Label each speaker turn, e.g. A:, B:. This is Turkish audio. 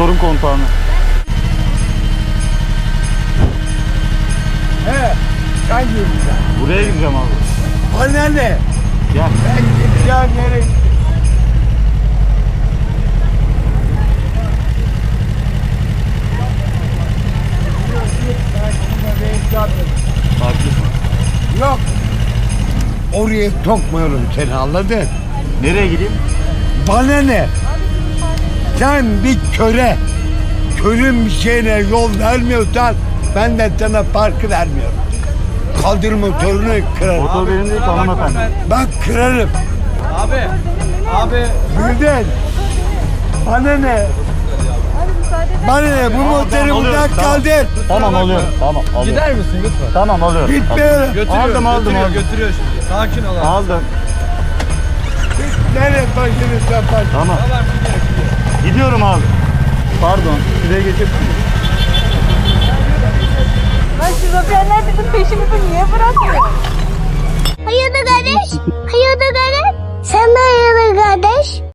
A: Motorun kontağını.
B: He. Sen gireceksin.
A: Buraya gideceğim abi.
B: Bana ne?
A: Gel.
B: Ben gideceğim nereye?
A: Haklısın.
B: Yok. Oraya sokmuyorum seni, anladın?
A: Nereye gideyim?
B: Bana ne? Sen bir körün bir şeyine yol vermiyorsan ben de sana parkı vermiyorum. Kaldır motorunu kırarım.
A: Motor benim değil ki hanımefendi.
B: Bak kırarım.
C: Abi.
B: Bildin. Bana ne? Bana ne? Bu motoru
A: alıyorum,
B: buradan
A: tamam.
B: kaldır.
A: Tamam alıyorum. Tamam alıyorum.
C: Gider misin lütfen?
A: Tamam alıyorum.
B: Gitmiyorum.
C: Götürüyor,
A: Aldım.
C: götürüyor şimdi. Sakin ol abi.
A: Aldım.
B: Nereye başını sapar?
A: Tamam.
C: Tamam gidiyor.
A: Gidiyorum abi. Pardon. Şuraya geçebilir miyim?
D: Lan şizofrenler bizim peşimizi niye bırakmıyor? Hayırdır kardeş? Hayırdır